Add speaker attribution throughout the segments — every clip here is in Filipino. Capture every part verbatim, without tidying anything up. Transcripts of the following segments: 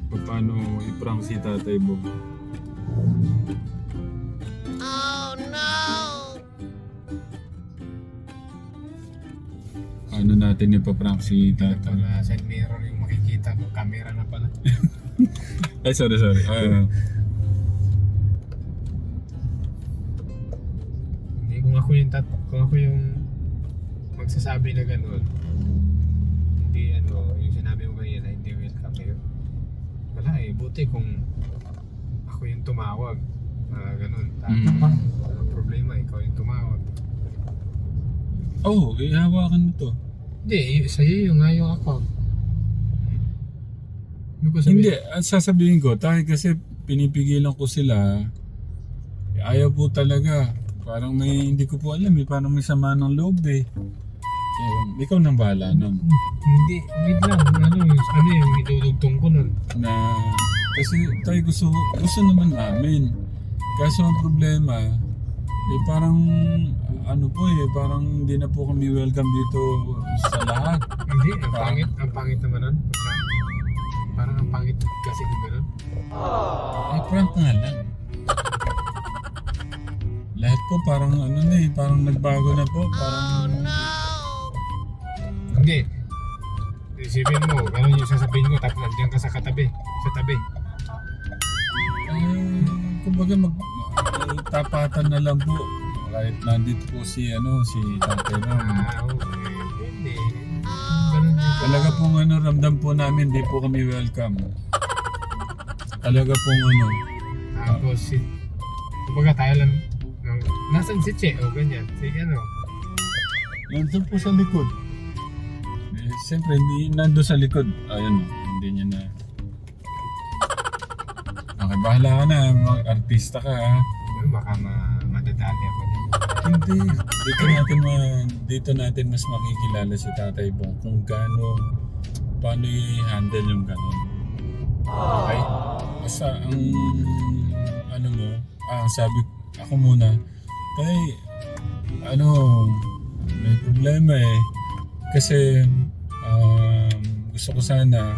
Speaker 1: paano i-prank si Tatay Bob.
Speaker 2: Oh no!
Speaker 1: Ano natin ipaprank si Tatay?
Speaker 3: Wala side mirror yung makikita ko. Camera na pala.
Speaker 1: Ay, sorry, sorry. Ah,
Speaker 3: Hindi, kung ako yung tat kung ako yung magsasabi na gano'n, hindi ano, yung sinabi mo kanina, hindi welcome eh. Wala eh, buti kung ako yung tumawag. Uh, ganun.
Speaker 1: Mm.
Speaker 3: Ano problema, ikaw yung tumawag.
Speaker 1: oh, ihawakan mo to.
Speaker 3: Hindi, sa'yo yung nga yung account. Ano ko sabihin?
Speaker 1: Hindi, ang sasabihin ko, tayo kasi pinipigilan ko sila. Ayaw po talaga. Parang may, hindi ko po alam eh, parang may sama ng loob eh. Eh, ikaw nang bahala nun.
Speaker 3: Hindi, wait lang. Ano, yung, ano yung idudugtong ko nun?
Speaker 1: Na, kasi tayo gusto, gusto naman namin. Kaso ang problema, eh parang, ano po eh, parang hindi na po kami welcome dito sa lahat.
Speaker 3: Hindi, ang pangit. Ang pangit naman nun. Parang ang pangit kasi di ba nun?
Speaker 1: Eh, prank nga lang. Lahat po parang ano na eh, parang nagbago na po. Parang,
Speaker 3: Hindi. Isipin mo, ganun yung sasabihin ko tapos nandiyan ka sa katabi. Sa tabi.
Speaker 1: eh, kumbaga mag, mag- tapatan na lang po. Kahit nandito po si, ano, si Tatay Ram.
Speaker 3: Ah, okay. Hindi. Ganun yung
Speaker 1: Talaga pong ano, ramdam po namin, di po kami welcome. Talaga pong ano,
Speaker 3: Tapos si... Kumbaga tayo lang... ng- Nasaan si Che? O ganyan. Si ano?
Speaker 1: nandun po sa likod. Eh, siyempre, hindi nandun sa likod. Ayun, hindi niya na. Okay, bahala ka na. Mag-artista ka ha.
Speaker 3: Ano, baka ma madadali ako niya.
Speaker 1: Hindi. Dito natin ma, dito natin mas makikilala si Tatay Bong kung gaano, paano i-handle yung ganun. Okay? Basta ang, ano mo, ah, sabi, ako muna, tay, ano, may problema eh. Kasi, um, gusto ko sana,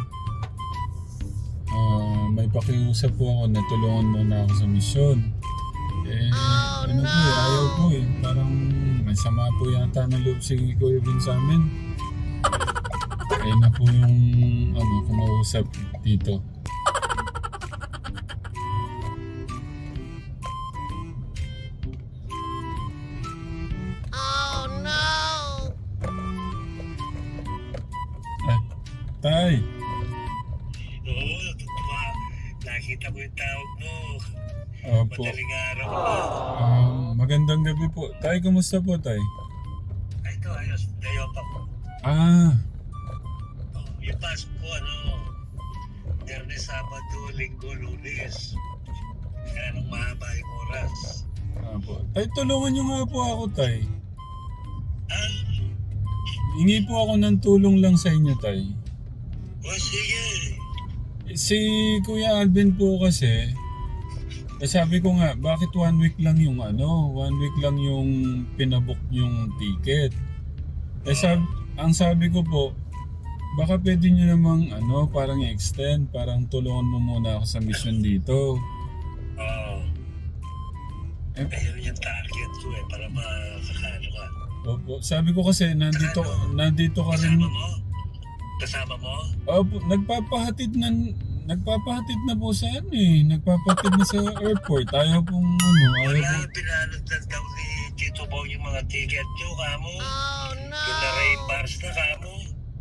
Speaker 1: ah, may pakiusap po ako na tulungan mo na ako sa misyon. Eh, ano po eh, ayaw po eh. Parang may sama po yata ng loob si Kuya Vin sa amin. Ayun na po yung ano, kumausap dito.
Speaker 2: Oh no!
Speaker 1: Ay, tay!
Speaker 4: Oo, totoo. Nakita ko yung tawag mo.
Speaker 1: Opo.
Speaker 4: Madaling araw na.
Speaker 1: Um, magandang gabi po. Tay, kumusta po tay?
Speaker 4: Ay, ito, ayos. Dayo pa ko.
Speaker 1: Ah,
Speaker 4: Oh, yung pasok ko, ano, Biyernes, Sabado, Linggo, Lunes. Kaya nung mahaba yung oras.
Speaker 1: ah po. Tay, tulungan niyo nga po ako tay.
Speaker 4: Ah,
Speaker 1: Hingi po ako ng tulong lang sa inyo tay.
Speaker 4: o sige.
Speaker 1: Si Kuya Alvin po kasi, eh sabi ko nga, bakit one week lang yung ano, one week lang yung pinabook yung ticket. Eh sab ang sabi ko po, baka pwede nyo namang ano, parang i-extend, parang tulungan mo muna ako sa mission dito.
Speaker 4: Oo.
Speaker 1: Eh,
Speaker 4: Ayun yung target ko eh, para makakano ka.
Speaker 1: opo, sabi ko kasi nandito, nandito ka rin.
Speaker 4: Kasama mo? Kasama mo?
Speaker 1: Opo, nagpapahatid na, nagpapahatid na po sa ano eh, nagpapahatid na sa airport. Ayaw pong ano, ayaw
Speaker 4: Wala,
Speaker 1: pong...
Speaker 4: pinalagdag daw ni Tito Bong yung mga ticket nyo, kamo.
Speaker 2: Oh no!
Speaker 4: Pina-reimburse na, kamo.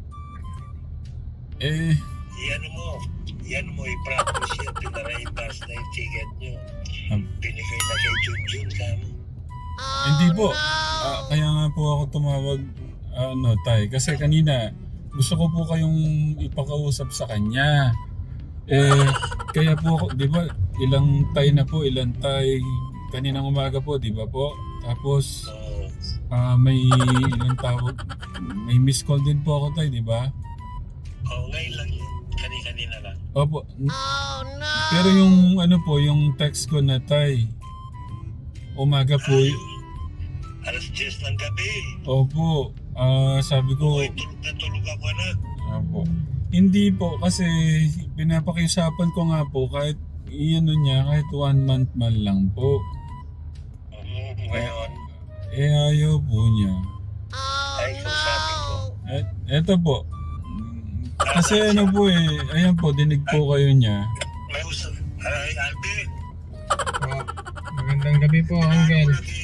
Speaker 1: Eh,
Speaker 4: Iyan mo, iyan mo, i-practice yan, pina-reimburse na yung ticket nyo.
Speaker 1: um,
Speaker 4: Binigay na kay Junjun, kamo.
Speaker 2: Oh
Speaker 1: hindi po.
Speaker 2: no!
Speaker 1: Ah, kaya nga po ako tumawag, ano, tay. Kasi kanina, gusto ko po kayong ipakausap sa kanya. Eh, kaya po ako, di ba, ilang tay na po, ilang tay, kaninang umaga po, di ba po? Tapos,
Speaker 4: So,
Speaker 1: ah, may ilang tawag, may miss call din po ako tay, di ba?
Speaker 4: oh, ngayon lang yun. Kani-kanina lang.
Speaker 1: Opo.
Speaker 2: Oh no!
Speaker 1: Pero yung ano po, yung text ko na tay, umaga po,
Speaker 4: Ay, alas diyes ng gabi.
Speaker 1: opo, ah, sabi ko,
Speaker 4: Okay, tulog na tulog ako na.
Speaker 1: opo. Hindi po, kasi pinapakiusapan ko nga po kahit iano niya, kahit one month man lang po.
Speaker 4: Mm, ngayon,
Speaker 1: Eh ayaw po niya.
Speaker 2: Oh
Speaker 4: ay kausapin ko.
Speaker 1: Et, eto po. Kasi ano po eh, ayan po, dinig po kayo niya.
Speaker 4: May usap. Ay, Alvin.
Speaker 3: Ah, magandang gabi po, Uncle.
Speaker 4: Ano lagi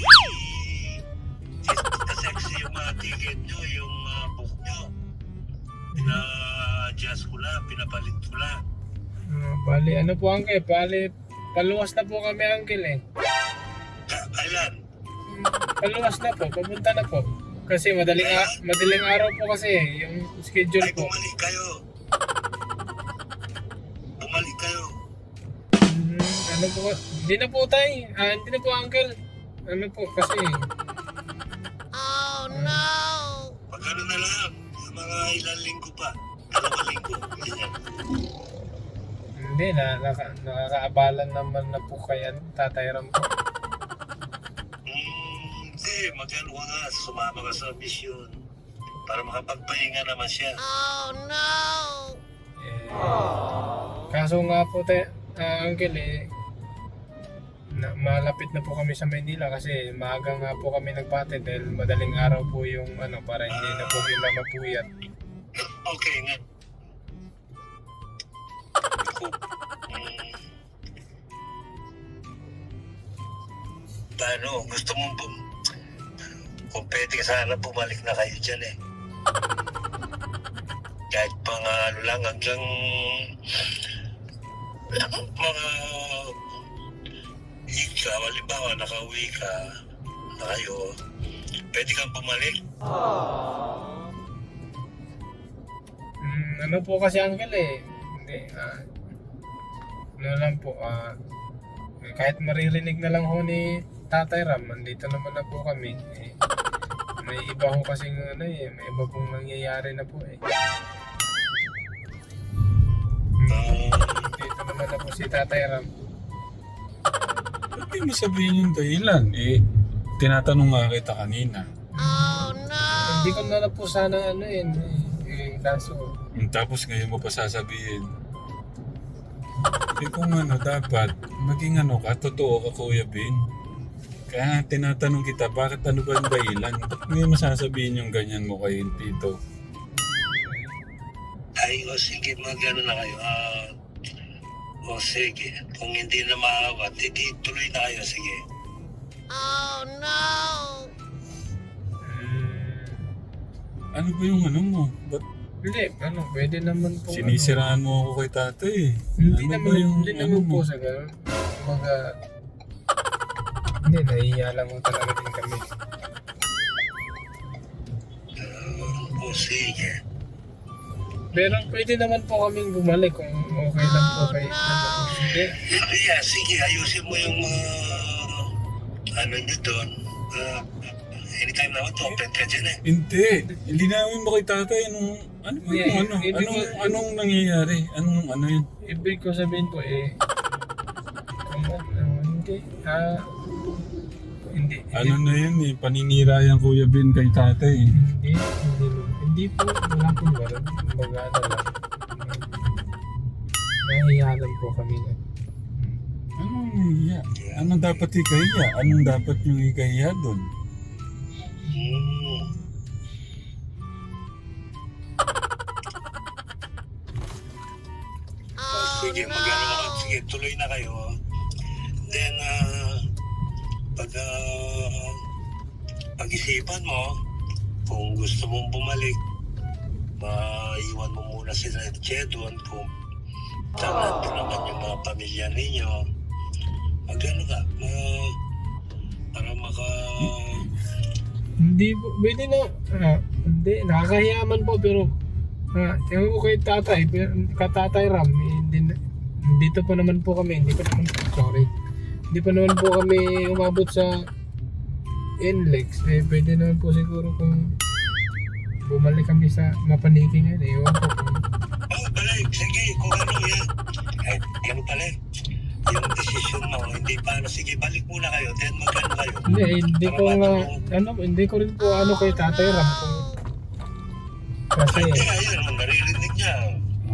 Speaker 4: sexy yung mga ticket nyo, yung uh, book nyo. Pina-adjust ko lang, pinapalit ko lang.
Speaker 3: Ah, bali, ano po, Uncle? Bali, paluwas na po kami, Uncle eh.
Speaker 4: Ka- Kailan?
Speaker 3: Paluwas na po, papunta na po. Kasi madaling, a- madaling araw po kasi eh, yung schedule
Speaker 4: Ay,
Speaker 3: po.
Speaker 4: bumalik kayo. Bumalik kayo.
Speaker 3: Hmm, ano po, hindi na po tayo. Ah, hindi na po, Uncle. Ano po, kasi
Speaker 2: Oh no!
Speaker 4: Pag ano na lang, mga ilang linggo pa. Dalawang linggo. Ganyan.
Speaker 3: hindi na, naka, nakakaabalan naman na po kaya Tatay Ram po.
Speaker 4: Hmm, hindi. Mag-ano ka nga, sumama ka sa mission. Para makapagpahinga naman siya.
Speaker 2: Oh no!
Speaker 3: Eh, kaso nga po, te, ah, Uncle eh, na, malapit na po kami sa Manila kasi maaga nga po kami nagpatid dahil madaling araw po yung ano para hindi na po sila mapuyat.
Speaker 4: Okay nga. Hmm. Paano? Gusto mo bum... Kung pwede sana bumalik na kayo dyan eh. Kahit pang ano lang hanggang mga ika, halimbawa nakauwi ka na kayo, pwede kang bumalik.
Speaker 3: Mm, ano po kasi Uncle eh, hindi, ah, ano lang po, ah, kahit maririnig na lang ho ni Tatay Ram, andito naman na po kami. Eh, may iba ho kasing ano eh, may iba pong nangyayari na po eh.
Speaker 4: Ah,
Speaker 3: Dito naman na po si Tatay Ram.
Speaker 1: Ba't di mo sabihin yung dahilan? Eh, tinatanong nga kita kanina.
Speaker 2: Oh no!
Speaker 3: Hindi ko na lang po sana ano yun eh, eh kaso,
Speaker 1: Hmm, Tapos ngayon mo pa sasabihin. Eh kung ano, dapat maging ano ka, totoo ka Kuya Bin. Kaya nga tinatanong kita, bakit ano ba yung dahilan? Ba't ngayon mo sasabihin yung ganyan mo kay Tito?
Speaker 4: ay, o sige, mag-ano na kayo. Ah, o sige, kung hindi na maawat, hindi tuloy na kayo, sige.
Speaker 2: Oh no!
Speaker 3: mm,
Speaker 1: Ano ba yung ano mo? Ba't
Speaker 3: hindi, ano, pwede naman po.
Speaker 1: sinisiraan mo ako kay tatay eh?
Speaker 3: Hindi
Speaker 1: Ano
Speaker 3: naman,
Speaker 1: ba yung
Speaker 3: hindi
Speaker 1: ano
Speaker 3: naman
Speaker 1: mo?
Speaker 3: po sa gano'n. Mga, hindi, nahihiya lang mo talaga din kami.
Speaker 4: Ah, o sige.
Speaker 3: Pero pwede naman po kaming bumalik kung okay lang po kay, ano, hindi.
Speaker 4: Yeah, sige, ayusin mo yung mga ano nyo doon. Ah, anytime naman to, open ka dyan eh.
Speaker 1: Hindi. Linawin mo kay tatay anong, ano ba yung
Speaker 3: Yeah,
Speaker 1: ano?
Speaker 3: ibig
Speaker 1: Anong,
Speaker 3: ko-
Speaker 1: anong nangyayari? Anong ano yun?
Speaker 3: Ibig ko sabihin po eh, kung ano, hindi, ah, hindi,
Speaker 1: Ano na yun eh, paninira yung Kuya Bin kay tatay eh.
Speaker 3: hindi, hindi, hindi po, wala po gano'n. Kumbaga ano lang, nahihiya lang po kami na.
Speaker 1: Anong nahiya? Anong dapat ikahiya? Anong dapat yung ikahiya doon?
Speaker 4: Hmm.
Speaker 2: Oh
Speaker 4: Sige, mag-ano
Speaker 2: no!
Speaker 4: ka. Sige, tuloy na kayo. Then, ah, pag ah, pag-isipan mo, kung gusto mong bumalik, maiwan mo muna sila Che doon kung saan nandun naman yung mga pamilya ninyo. Mag-ano ka, ah, para maka...
Speaker 3: Hindi po, pwede na, ah, hindi, nakakahiyaman po pero, ah, tingnan ko kay tatay, pero, kay tatay Ram, eh, hindi, na- dito pa naman po kami, hindi pa naman, sorry, hindi pa naman po kami umabot sa N L E X, eh, pwede naman po siguro kung bumalik kami sa Mapaniki ngayon, eh, ewan ko kung,
Speaker 4: Oh, balik, sige, kung ano yan. Ay, yan pala eh. Yung decision mo, hindi pa ano, sige, balik muna kayo, then mag-ano kayo.
Speaker 3: hindi, eh, hindi ko nga, ano, hindi ko rin po ano kay tatay Ram kung, kasi,
Speaker 4: Hindi, ayun, naririnig niya.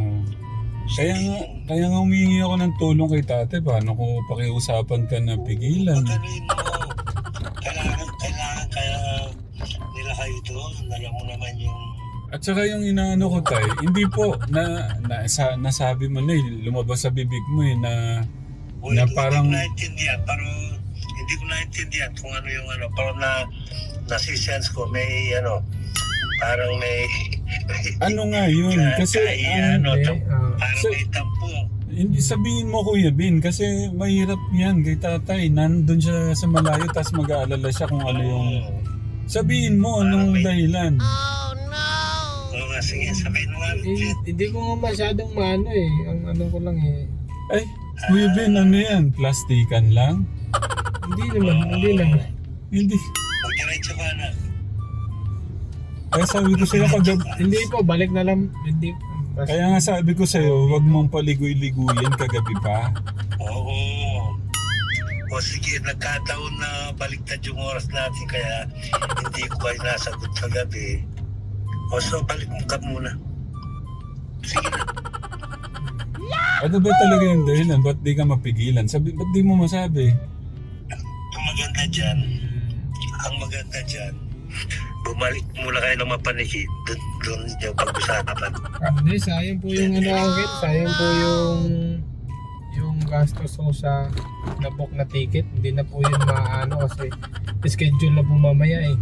Speaker 1: Kaya nga, kaya nga humingi ako ng tulong kay tate. Paano ko pakiusapan ka na pigilan?
Speaker 4: Pagkaluin mo, kailangan, kailangan kaya nila kayo doon. Alam mo naman yung...
Speaker 1: At saka yung inaano ko tay, hindi po na, na sa, nasabi mo na eh, lumabas sa bibig mo eh na
Speaker 4: Uy,
Speaker 1: na parang
Speaker 4: Hindi ko naintindihan, pero hindi ko naintindihan kung ano yung ano. Parang na, nasisense ko, may ano, parang may...
Speaker 1: ano nga yun kasi
Speaker 4: Kaya,
Speaker 1: ang-
Speaker 4: ano,
Speaker 3: Okay,
Speaker 4: tam-
Speaker 3: ah,
Speaker 4: parang
Speaker 1: so-
Speaker 4: may tampo.
Speaker 1: hindi sabihin mo Kuya Bin kasi mahirap yan kay tatay. Nandun siya sa malayo tapos mag-aalala siya kung ano yung... Sabihin mo anong dahilan.
Speaker 2: Oh no!
Speaker 4: Oo nga, sige, sabihin mo nga.
Speaker 3: eh, hindi ko nga masyadong maano eh. Ang ano ko lang eh.
Speaker 1: Ay, Kuya Bin, ano yan? Plastikan lang?
Speaker 3: Hindi naman, hindi naman.
Speaker 1: Hindi.
Speaker 4: Magdiretso ka na.
Speaker 1: Kaya sabi ko sa'yo kagabi.
Speaker 3: Hindi po, balik na lang. Hindi. Basta,
Speaker 1: Kaya nga sabi ko sa'yo, huwag mong paligoy-liguyan kagabi pa.
Speaker 4: Oo. O sige, nagkataon na baliktad yung oras natin kaya hindi ko kayo nasagot kagabi. O so, balik mo ka muna. Sige na.
Speaker 1: Ano ba talaga yung dahilan? Ba't di ka mapigilan? Sabi, ba't di mo masabi?
Speaker 4: Ang maganda dyan, ang maganda dyan, bumalik muna kayo ng mapaniki. Doon, doon yung pag-usapan.
Speaker 3: hindi, sayang po yung ano Uncle. Sayang po yung yung gastos ko sa na-book na ticket. Hindi na po yun maano kasi schedule na po mamaya eh.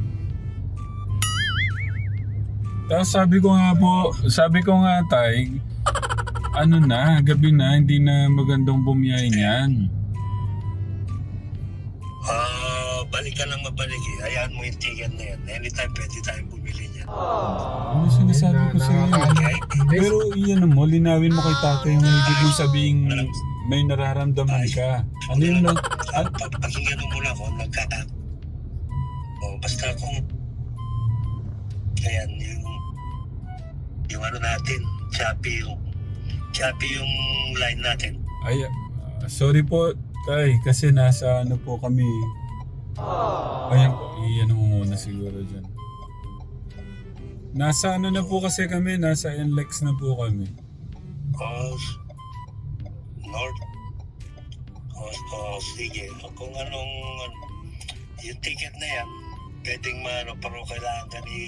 Speaker 1: Tapos sabi ko nga po, sabi ko nga tay, ano na, gabi na, hindi na magandang bumiyahin yan.
Speaker 4: Ah, balik ka ng mapaniki. Hayaan mo yung ticket na yan. Anytime pwede tayong bumili niyan.
Speaker 1: Ano sinasabi ko
Speaker 3: Na-
Speaker 1: sa'yo?
Speaker 3: nakaka- Hindi,
Speaker 1: Pero iyan mo, linawin mo kay tatay yung ibig mong sabing may nararamdaman ka. Ano yung nag...
Speaker 4: Ah, pa- pakinggan mo muna ako, nagkaka... O, basta kung... Ayan, yung... Yung ano natin, choppy yung... Choppy yung line natin.
Speaker 1: Ay, ah, sorry po, tay, kasi nasa ano po kami. Ayan po, iyan mo muna siguro dyan. Nasa ano na po kasi kami, nasa N L E X na po kami.
Speaker 4: O, North. O, o sige. Kung anong... Yung ticket na yan, pwedeng maano, pero kailangan ka ni...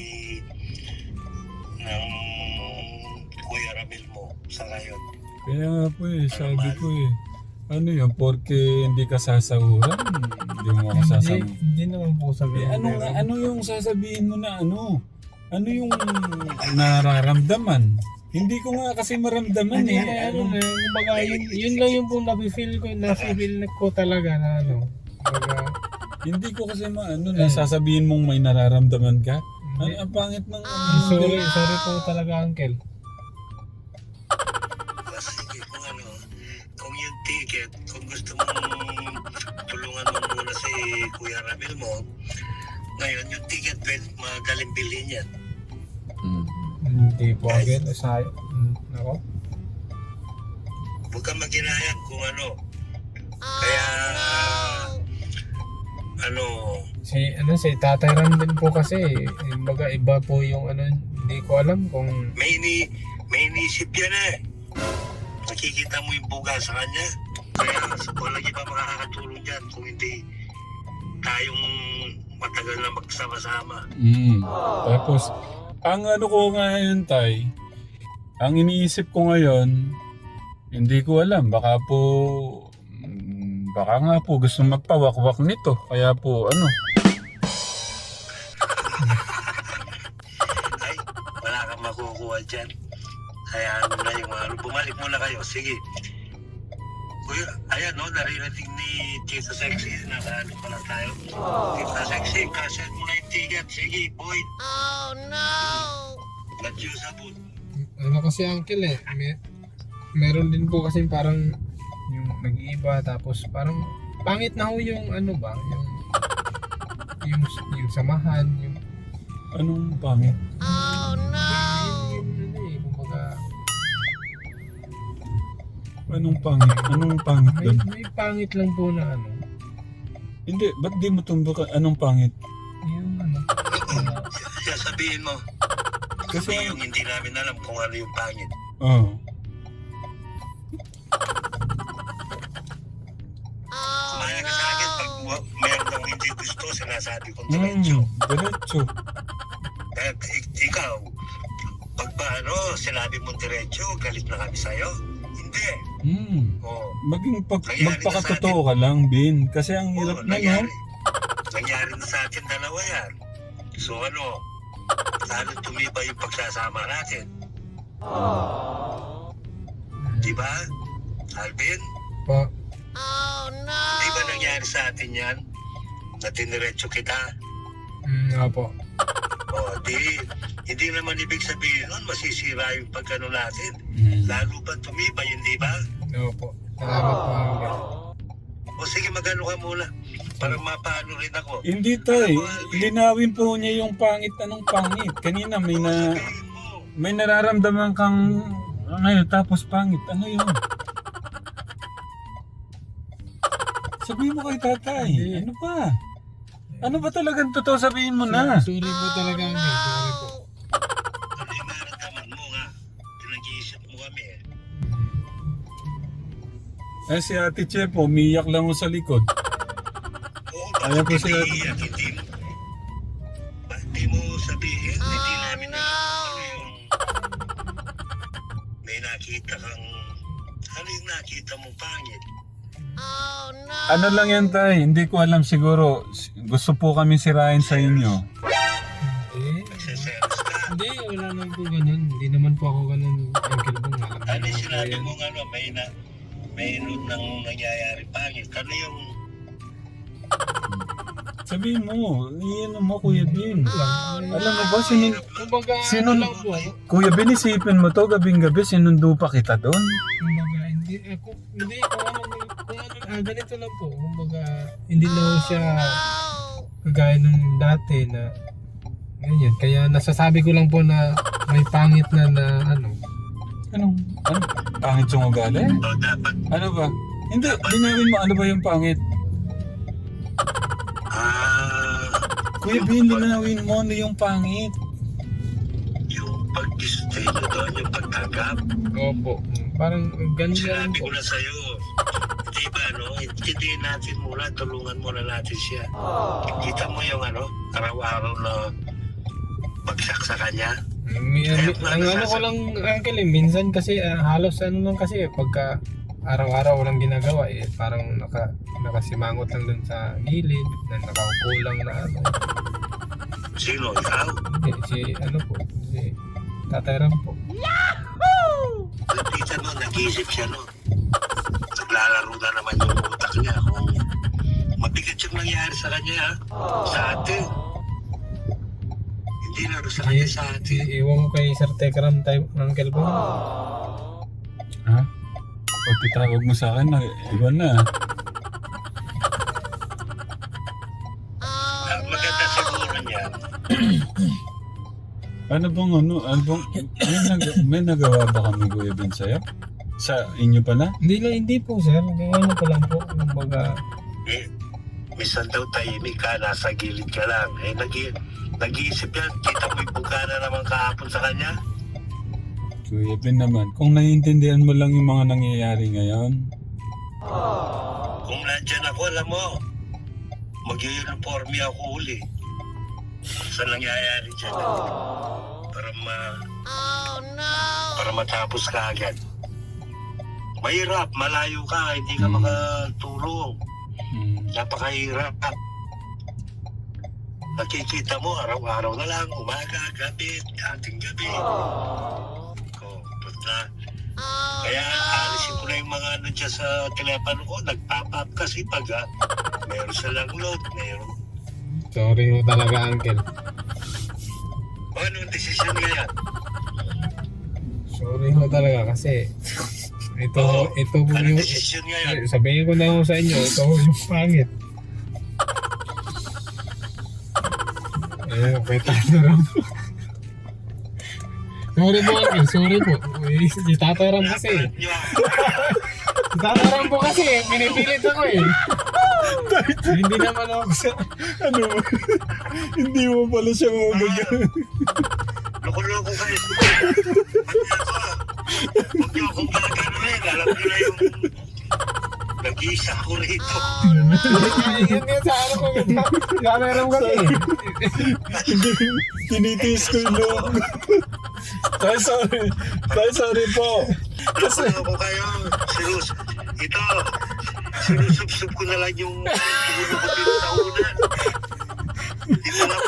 Speaker 4: ng Kuya Ramil mo sa ngayon.
Speaker 1: Kaya nga po eh, sabi ko eh. Ano yun, porque hindi ka sasahuran, hindi mo ako
Speaker 3: hindi,
Speaker 1: sasahuran.
Speaker 3: hindi naman po sabi.
Speaker 1: Eh, ano nga, ano yung sasabihin mo na ano? Ano yung nararamdaman? Hindi ko nga kasi maramdaman
Speaker 3: Hindi,
Speaker 1: eh.
Speaker 3: ano
Speaker 1: Ano,
Speaker 3: na, kumbaga yun, yun lang yung pong nafe-feel ko, nafe-feel ko talaga na ano. Kumbaga,
Speaker 1: hindi ko kasi maano na sasabihin mong may nararamdaman ka. Ano,
Speaker 3: hindi.
Speaker 1: ang pangit ng
Speaker 3: Sorry, sorry po talaga Uncle.
Speaker 4: Sige, kung ano, kung yung ticket, kung gusto mong tulungan mo muna si Kuya Ramil mo, ngayon yung ticket, pwede magaling bilhin yan.
Speaker 1: Hmm.
Speaker 3: Hindi po Uncle, sayang. Hmm, ako.
Speaker 4: Huwag kang maghinayang kung ano.
Speaker 2: Oh
Speaker 4: Kaya,
Speaker 2: no!
Speaker 4: ano,
Speaker 3: Si, ano, si Tatay Ram din po kasi, eh, kumbaga iba po yung ano, hindi ko alam kung
Speaker 4: may, ini, may inisip yan eh. Nakikita mo yung buga sa kanya. Kaya walang iba makakatulong dyan kung hindi tayong matagal na magsama-sama.
Speaker 1: Mm. Tapos, ang ano ko ngayon tay, ang iniisip ko ngayon, hindi ko alam, baka po, mm, baka nga po gusto magpawakwak nito, kaya po ano.
Speaker 4: Ay, wala kang makukuha dyan. Hayaan mo na yung ano. Bumalik muna kayo. Sige. Kuya, ayan no, naririnig ni Tito Sexy. Nakaano pa lang tayo. Tito Sexy, kaset mo na yung ticket. Sige, boy.
Speaker 2: Oh no!
Speaker 4: Let's use a boot.
Speaker 3: ano kasi Uncle eh, may, meron din po kasi parang yung nag-iiba tapos parang pangit na ho yung ano ba, yung yung, yung samahan, yung
Speaker 1: Anong pangit?
Speaker 2: Oh no!
Speaker 3: yung, ano eh, kumbaga
Speaker 1: Anong pangit? Anong pangit
Speaker 3: may,
Speaker 1: doon?
Speaker 3: may pangit lang po na ano,
Speaker 1: Hindi, ba't di mo tumbok? Anong pangit?
Speaker 3: yung ano, na-
Speaker 4: Kaya sabihin mo.
Speaker 1: Kasi,
Speaker 4: Kasi yung hindi namin alam kung ano yung pangit.
Speaker 1: oh.
Speaker 4: sinasabi kong
Speaker 1: Hmm,
Speaker 4: diretso.
Speaker 1: diretso.
Speaker 4: Eh, ik- ikaw, pag ba ano, sinabi mong diretso, galit na kami sa'yo? Hindi.
Speaker 1: Hmm.
Speaker 4: Oo.
Speaker 1: Maging pag,
Speaker 4: Nangyari na
Speaker 1: magpakatotoo ka lang, Bin. Kasi ang hirap
Speaker 4: Oo,
Speaker 1: na, no?
Speaker 4: nangyari. Nangyari na sa atin dalawa yan. So ano, lalo tumibay yung pagsasama natin. Di ba? Alvin,
Speaker 3: Po.
Speaker 2: Oh no!
Speaker 4: di ba nangyari sa atin yan? Na tiniretso kita?
Speaker 3: Mm, opo.
Speaker 4: O, di, hindi naman ibig sabihin nun, masisira yung pagkano natin.
Speaker 1: Hmm.
Speaker 4: Lalo pa tumibay, hindi ba?
Speaker 3: Opo. Salamat po, Uncle.
Speaker 4: O sige, magano ka muna. Para mapaano rin ako.
Speaker 1: Hindi tay, linawin po niya yung pangit anong pangit. Kanina may
Speaker 4: O,
Speaker 1: na
Speaker 4: sabihin mo.
Speaker 1: may nararamdaman kang ngayon tapos pangit. Ano yun? Sabihin mo kay tatay.
Speaker 3: Hindi.
Speaker 1: Ano ba? Ano ba talagang totoo sabihin mo na?
Speaker 3: Sorry po talaga, Uncle. Sorry po.
Speaker 4: Ano yung nararamdaman mo nga? Pinag-iisip mo kami eh.
Speaker 1: Eh si Ate Chef, umiyak lang mo sa likod.
Speaker 4: Oo,
Speaker 1: Ayan po
Speaker 4: bakit
Speaker 1: sila.
Speaker 4: hindi iiyak? Hindi mo, ba, hindi mo sabihin, hindi namin
Speaker 2: no.
Speaker 4: alam ano yung may nakita kang, ano yung nakita mong pangit?
Speaker 2: Oh no!
Speaker 1: Ano lang yan tay, hindi ko alam siguro. Gusto po kami sirain sa inyo.
Speaker 3: Eh,
Speaker 4: Nagseselos ka?
Speaker 3: hindi, wala naman po ganun. Hindi naman po ako ganun, Uncle Bong. Alam
Speaker 4: Ano
Speaker 3: naman
Speaker 4: yung
Speaker 3: po
Speaker 4: sinabi
Speaker 3: yan.
Speaker 4: mong ano, may na, may nun nang nangyayari pangit? Ano yung,
Speaker 1: Sabihin mo, iyan mo Kuya Bin.
Speaker 2: Oh no!
Speaker 1: Alam mo ba, sinun
Speaker 3: Kumbaga,
Speaker 1: Sino-
Speaker 3: ano lang po.
Speaker 1: Kuya Bin, isipin mo to, gabing-gabi, sinundo pa kita doon.
Speaker 3: Kumbaga, hindi, eh, kung, hindi, kung ano, kung ano, ah, ganito lang po. Kumbaga, hindi na ho siya kagaya nung dati na, ganyan. Kaya nasasabi ko lang po na may pangit na na, ano,
Speaker 1: Anong, ano? Pangit yung ugali?
Speaker 4: o dapat,
Speaker 1: Ano ba? Hindi, linawin mo, ano ba yung pangit?
Speaker 4: ah,
Speaker 1: Kuya
Speaker 4: yung
Speaker 1: Bin,
Speaker 4: pag-
Speaker 1: linawin mo, ano yung pangit?
Speaker 4: yung pag-stay nyo doon, yung pagtanggap.
Speaker 3: opo. Parang ganun lang
Speaker 4: Sinabi
Speaker 3: po.
Speaker 4: ko na sa'yo, di ba, no? Hindi natin muna, tulungan muna natin siya. Kita mo yung ano, araw-araw na bagsak sa kanya.
Speaker 3: May, may- ang ano ko lang, Uncle, eh, minsan kasi, ah, halos ano lang kasi, eh, pagka araw-araw walang ginagawa, eh, parang naka, nakasimangot lang dun sa gilid, na nakaupo lang na ano.
Speaker 4: Sino? Ikaw?
Speaker 3: Hindi, si, ano po, si Tatay Ram po.
Speaker 4: Lapitan mo, nag-iisip siya, no? Naglalaro na naman yung utak niya kung mabigat yung nangyari sa kanya, ha? Sa atin. Hindi na sa kanya, sa
Speaker 3: Si,
Speaker 4: atin.
Speaker 3: iwan ko kay Sir Tekram, tayo, Uncle po.
Speaker 1: Ha? Pag titawag mo sa akin, na, iba na.
Speaker 2: Oh
Speaker 4: Ang maganda siguro niya,
Speaker 1: Ano bang ano, ano bang, may, nag, may nagawa ba kami Kuya Bin sa'yo? Sa inyo pala?
Speaker 3: Hindi na, hindi po, Sir. Ganyan pa lang po. Kumbaga,
Speaker 4: eh, minsan daw tahimik ka, nasa gilid ka lang. Eh, nag nag-iisip yan, kita mo yung bugana naman kahapon sa kanya.
Speaker 1: Kuya Bin naman, kung naiintindihan mo lang yung mga nangyayari ngayon,
Speaker 4: Kung nandyan ako, alam mo, mag-uniforme ako uli. Sa nangyayari dyan. Para ma
Speaker 2: Oh no!
Speaker 4: para matapos ka agad. Mahirap, malayo ka, hindi ka
Speaker 1: Hmm.
Speaker 4: makatulong.
Speaker 1: hmm,
Speaker 4: Napakahirap. Nakikita mo, araw-araw na lang, umaga, gabi, ating gabi. Oh, punta.
Speaker 2: Oh
Speaker 4: Kaya
Speaker 2: no!
Speaker 4: alisin ko na yung mga ano dyan sa telepono ko, nagpap-up kasi pag ah, meron silang load, meron.
Speaker 3: sorry ho talaga, Uncle.
Speaker 4: O, anong desisyon ngayon?
Speaker 3: Sorry ho talaga kasi ito,
Speaker 4: Oo.
Speaker 3: ito po
Speaker 4: Anong
Speaker 3: yung,
Speaker 4: desisyon ngayon?
Speaker 3: eh, sabihin ko na ho sa inyo, ito ho yung pangit. Eh, kay Tatay Ram. Sorry po, Uncle. Sorry po. Eh, si Tatay Ram kasi.
Speaker 4: Napalat nyo ako.
Speaker 3: Si Tatay Ram po kasi. Pinipilit ako eh. Hindi naman ako sa...
Speaker 1: ano mo? Hindi mo pala siya mabagyan.
Speaker 4: Loko-loko kayo. Pati ako, huwag niyo akong gaganoin. Alam niyo na yung Nag-iisa ko rito.
Speaker 3: Yun nga sa ano ko. Camera mo kasi.
Speaker 1: Hindi, tinitiis ko yung loob. Tay, sorry. Tay, sorry po.
Speaker 4: Kasi ako kayo, sinus, ito, sinusubsub ko na lang yung sinulubot sa una. Ito lang.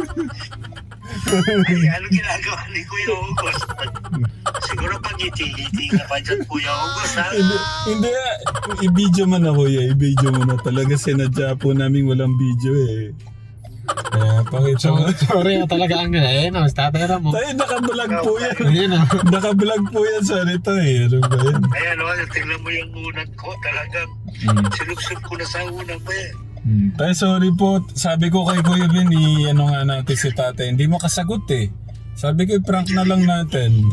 Speaker 4: Ay, ano ginagawa ni Kuya August? Siguro pag ngiti-ngiti ka pa dyan, Kuya August, ha?
Speaker 1: Hindi, hindi ah. I-video mo na kuya, i-video mo na. Talaga sinadya po namin walang video eh. Kaya pakita
Speaker 3: So,
Speaker 1: mo.
Speaker 3: sorry na talaga ang eh, no, statera mo.
Speaker 1: Tayo, naka-vlog po yan.
Speaker 3: Ayun na.
Speaker 1: Naka-vlog po yan. Sorry tayo. Ano ba yan?
Speaker 4: Ayan, o, tingnan mo yung unang ko. Talagang
Speaker 1: Hmm.
Speaker 4: sinubsub ko na sa unang pa eh.
Speaker 1: Hmm. Tayo, sorry po. Sabi ko kay Kuya Ben, i-ano nga natin si tatay. Hindi mo kasagot eh. Sabi ko, prank na lang natin.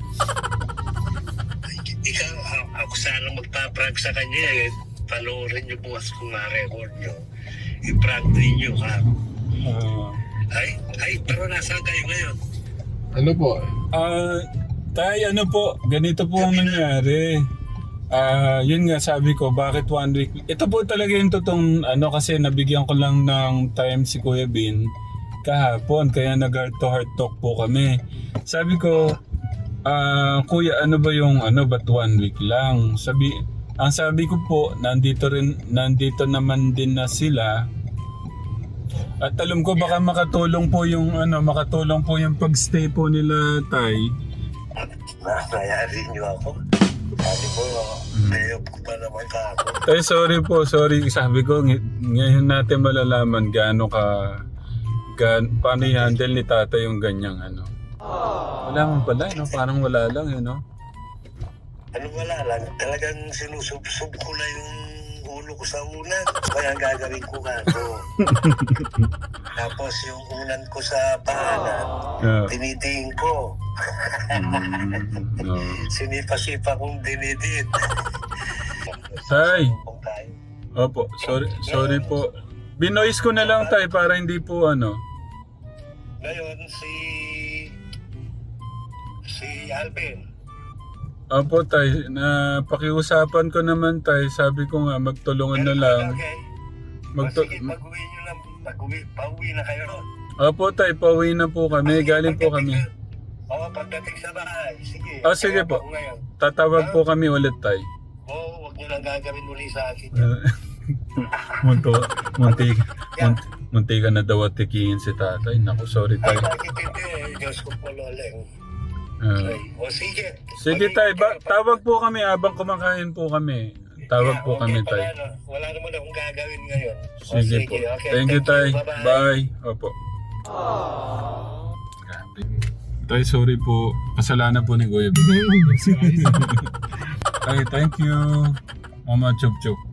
Speaker 4: Ikaw, a- ako sana magpa-prank sa kanya eh. Panoorin niyo bukas kung na-record niyo. I-prank ninyo ha.
Speaker 1: Ah...
Speaker 4: Ay, ay, pero nasaan kayo ngayon?
Speaker 3: Ano po?
Speaker 1: Ah, tay, ano po, ganito po ang nangyari. Ah, yun nga sabi ko, bakit one week? Ito po talaga yung totoong ano kasi nabigyan ko lang ng time si Kuya Bin kahapon kaya nag heart to heart talk po kami. Sabi ko, ah, Kuya, ano ba yung ano ba't one week lang? Sabi, ang sabi ko po, nandito rin nandito naman din na sila. At alam ko baka makatulong po yung ano, makatulong po yung pagstay po nila, tay.
Speaker 4: Nakayari niyo ako. Sabi ko, layop ko pa naman ka ako.
Speaker 1: Tay, sorry po, sorry. Sabi ko, ng- ngayon natin malalaman gaano ka, gan, paano i-handle ni tata yung ganyang ano. Wala man pala, no? Parang wala lang, eh, no?
Speaker 4: Ano wala lang, talagang sinusub-sub ko na yung ulo ko sa unan. Kaya ang gagawin ko nga to. Tapos yung unan ko sa pangalan,
Speaker 1: Yeah.
Speaker 4: dinidiin ko.
Speaker 1: Mm, no.
Speaker 4: Sinipa-sipa kong dinidid.
Speaker 1: Tay,
Speaker 4: Kung tayo.
Speaker 1: opo, sorry, sorry po. Binoise ko na lang, tay, para hindi po ano.
Speaker 4: Ngayon, si... Si Alvin.
Speaker 1: Opo, tay, na pakiusapan ko naman, tay. Sabi ko nga, magtulungan na lang.
Speaker 4: Okay.
Speaker 1: Magtu-
Speaker 4: O sige, pag-uwi nyo lang. Pag-uwi, pauwi na kayo.
Speaker 1: Opo, tay, pauwi na po kami. Galing po kami.
Speaker 4: Oo, pagdating sa bahay. Sige.
Speaker 1: Ah, sige
Speaker 4: Kaya
Speaker 1: po.
Speaker 4: ako ngayon.
Speaker 1: Tatawag po kami ulit, tay.
Speaker 4: Oo, huwag nyo lang gagawin uli sa akin.
Speaker 1: Munto, munti, munti, munti ka na daw at tikiin si tatay. Naku, sorry,
Speaker 4: Ay,
Speaker 1: tay.
Speaker 4: bakit hindi? Diyos ko po, loleng.
Speaker 1: Ah.
Speaker 4: Okay. O sige.
Speaker 1: Sige, tay. Ba- tawag po kami habang kumakain po kami. Tawag po kami,
Speaker 4: okay,
Speaker 1: tay.
Speaker 4: Wala, na. wala naman akong gagawin ngayon. O,
Speaker 1: Sige po.
Speaker 4: okay.
Speaker 1: Thank you, tay.
Speaker 4: Bye-bye.
Speaker 1: Bye. Opo. Grabe. Tay, sorry po. Kasalanan po ni Kuya Ben. Tay, thank you. Mama Chup Chup.